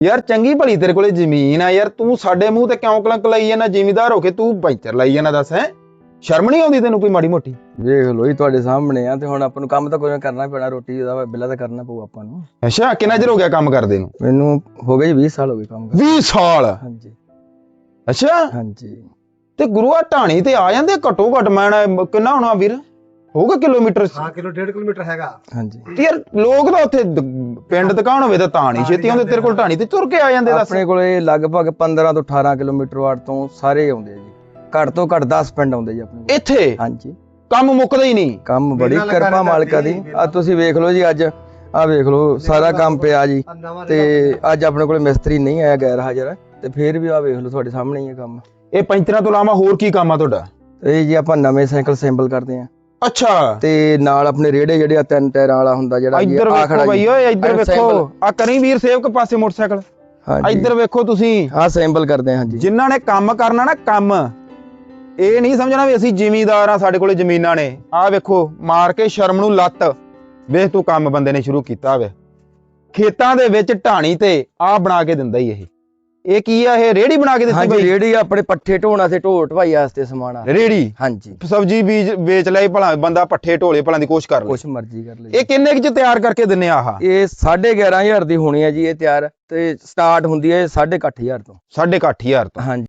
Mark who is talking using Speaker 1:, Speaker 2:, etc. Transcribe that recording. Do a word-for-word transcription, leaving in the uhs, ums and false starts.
Speaker 1: ਯਾਰ ਚੰਗੀ ਭਲੀ ਤੇਰੇ ਕੋਲੇ ਜ਼ਮੀਨ ਆ ਯਾਰ, ਤੂੰ ਸਾਡੇ ਮੂੰਹ ਤੇ ਕਿਉਂ ਕਲੰਕ ਲਾਈ ਜਾਂਦਾ? ਜ਼ਿਮੀਦਾਰ ਹੋ ਕੇ ਤੂੰ ਪੈਂਚਰ ਲਾਈ ਜਾਂਦਾ, ਦੱਸ ਹੈ ਸ਼ਰਮ ਨਹੀਂ ਆਉਂਦੀ ਤੈਨੂੰ ਕੋਈ ਮਾੜੀ ਮੋਟੀ?
Speaker 2: ਵੇਖ ਲੋ ਜੀ ਤੁਹਾਡੇ ਸਾਹਮਣੇ ਆ, ਤੇ ਹੁਣ ਆਪਾਂ ਨੂੰ ਕੰਮ ਤਾਂ ਕੋਈ ਕਰਨਾ ਪੈਣਾ, ਰੋਟੀ ਦਾ ਬਿੱਲਾ ਤਾਂ ਕਰਨਾ ਪਊ ਆਪਾਂ ਨੂੰ।
Speaker 1: ਅੱਛਾ, ਕਿੰਨਾ ਚਿਰ ਹੋ ਗਿਆ ਕੰਮ ਕਰਦੇ ਨੂੰ?
Speaker 2: ਮੈਨੂੰ ਹੋ ਗਏ ਜੀ ਵੀਹ ਸਾਲ ਹੋ ਗਏ ਕੰਮ ਕਰਦੇ।
Speaker 1: ਵੀਹ ਸਾਲ?
Speaker 2: ਹਾਂਜੀ
Speaker 1: ਅੱਛਾ,
Speaker 2: ਹਾਂਜੀ।
Speaker 1: ਤੇ ਗੁਰੂਆ ਢਾਣੀ ਤੇ ਆ ਜਾਂਦੇ ਘੱਟੋ ਘੱਟ, ਮੈਂ ਕਿੰਨਾ ਹੋਣਾ ਵੀਰ, ਹੋਊਗਾ ਕਿਲੋਮੀਟਰ?
Speaker 3: ਹਾਂ ਕਿਲੋ ਡੇਢ ਕਿਲੋਮੀਟਰ ਹੈਗਾ।
Speaker 2: ਹਾਂਜੀ
Speaker 1: ਯਾਰ ਲੋਕ ਤਾਂ ਉੱਥੇ ਪਿੰਡ ਦੁਕਾਨ ਹੋਵੇ ਤਾਂ ਤਾਂ ਨਹੀਂ ਛੇਤੀ ਆਉਂਦੇ, ਤੇਰੇ ਕੋਲ ਢਾਣੀ ਤੇ ਤੁਰ ਕੇ ਆ ਜਾਂਦੇ? ਦੱਸ।
Speaker 2: ਆਪਣੇ ਕੋਲੇ ਲਗਭਗ ਪੰਦਰਾਂ ਤੋਂ ਅਠਾਰਾਂ ਕਿਲੋਮੀਟਰ ਵਾਟ ਤੋਂ ਸਾਰੇ ਆਉਂਦੇ ਆ ਜੀ, ਘੱਟ ਤੋਂ ਘੱਟ ਦਸ ਪਿੰਡ ਆਉਂਦੇ ਜੀ ਆਪਣੇ ਕੋਲ
Speaker 1: ਇੱਥੇ?
Speaker 2: ਹਾਂਜੀ।
Speaker 1: ਕੰਮ ਮੁੱਕਦਾ ਹੀ ਨਹੀਂ?
Speaker 2: ਕੰਮ ਬੜੀ ਕਿਰਪਾ ਮਾਲਕਾ ਦੀ। ਆ ਤੁਸੀਂ ਵੇਖ ਲਓ ਜੀ, ਅੱਜ ਆ ਵੇਖ ਲਓ ਸਾਰਾ ਕੰਮ ਪਿਆ ਜੀ, ਤੇ ਅੱਜ ਆਪਣੇ ਕੋਲੇ ਮਿਸਤਰੀ ਨਹੀਂ ਆਇਆ, ਗੈਰ ਹਾਜ਼ਰ, ਤੇ ਫੇਰ ਵੀ ਆ ਵੇਖ ਲਓ ਤੁਹਾਡੇ ਸਾਹਮਣੇ ਹੀ ਹੈ ਕੰਮ।
Speaker 1: ਇਹ ਪੈਂਚਰਾਂ ਤੋਂ ਇਲਾਵਾ ਹੋਰ ਕੀ ਕੰਮ ਆ ਤੁਹਾਡਾ?
Speaker 2: ਇਹ ਜੀ ਆਪਾਂ ਨਵੇਂ ਸਾਈਕਲ ਅਸੈਂਬਲ ਕਰਦੇ ਆ।
Speaker 1: ਅੱਛਾ,
Speaker 2: ਤੇ ਨਾਲ ਆਪਣੇ ਰੇੜੇ ਜਿਹੜੇ ਆ ਤਿੰਨ ਟਾਇਰਾਂ ਵਾਲਾ ਹੁੰਦਾ ਜਿਹੜਾ
Speaker 1: ਇੱਧਰ ਵੇਖੋ ਬਈ ਓਏ, ਇੱਧਰ ਵੇਖੋ ਆ, ਕਰੀ ਵੀਰ ਸੇਵਕ ਪਾਸੇ ਮੋਟਰਸਾਈਕਲ, ਇੱਧਰ ਵੇਖੋ ਤੁਸੀਂ,
Speaker 2: ਆ ਅਸੈਂਬਲ ਕਰਦੇ ਆ। ਹਾਂਜੀ,
Speaker 1: ਜਿਨ੍ਹਾਂ ਨੇ ਕੰਮ ਕਰਨਾ ਨਾ ਕੰਮ, ਇਹ ਨਹੀਂ ਸਮਝਣਾ ਵੀ ਅਸੀਂ ਜ਼ਿਮੀਂਦਾਰ ਆ ਸਾਡੇ ਕੋਲੇ ਜ਼ਮੀਨਾਂ ਨੇ। ਆ ਵੇਖੋ ਮਾਰ ਕੇ ਸ਼ਰਮ ਨੂੰ ਲੱਤ, ਵੇਖ ਤੂੰ ਕੰਮ ਬੰਦੇ ਨੇ ਸ਼ੁਰੂ ਕੀਤਾ ਵੇ ਖੇਤਾਂ ਦੇ ਵਿੱਚ ਢਾਣੀ ਤੇ ਆ ਬਣਾ ਕੇ ਦਿੰਦਾ ਹੀ। ਇਹ ਇਹ ਕੀ ਆ? ਇਹ ਰੇੜੀ ਬਣਾ ਕੇ ਦਿੱਤੀ
Speaker 2: ਹਾਂਜੀ
Speaker 1: ਬਈ?
Speaker 2: ਰੇੜੀ ਆਪਣੇ ਪੱਠੇ ਢੋਣਾ ਤੇ ਢੋ ਢਵਾਈ ਵਾਸਤੇ ਸਮਾਨ ਆ।
Speaker 1: ਰੇੜੀ?
Speaker 2: ਹਾਂਜੀ।
Speaker 1: ਸਬਜ਼ੀ ਬੀਜ ਵੇਚ ਲੈ ਭਲਾ ਬੰਦਾ, ਪੱਠੇ ਢੋਲੇ ਭਲਾਂ ਦੀ ਕੋਸ਼ਿਸ਼ ਕਰ ਲੈ,
Speaker 2: ਕੁਛ ਮਰਜ਼ੀ ਕਰ ਲੈ।
Speaker 1: ਇਹ ਕਿੰਨੇ ਕੁ ਚ ਤਿਆਰ ਕਰਕੇ ਦਿੰਨੇ ਆ? ਆਹ
Speaker 2: ਇਹ ਸਾਢੇ ਗਿਆਰਾਂ ਹਜ਼ਾਰ ਦੀ ਹੋਣੀ ਹੈ ਜੀ ਇਹ ਤਿਆਰ, ਤੇ ਸਟਾਰਟ ਹੁੰਦੀ ਹੈ ਸਾਢੇ ਅੱਠ ਹਜ਼ਾਰ ਤੋਂ।
Speaker 1: ਸਾਢੇ ਅੱਠ ਹਜ਼ਾਰ ਤੋਂ?
Speaker 2: ਹਾਂਜੀ।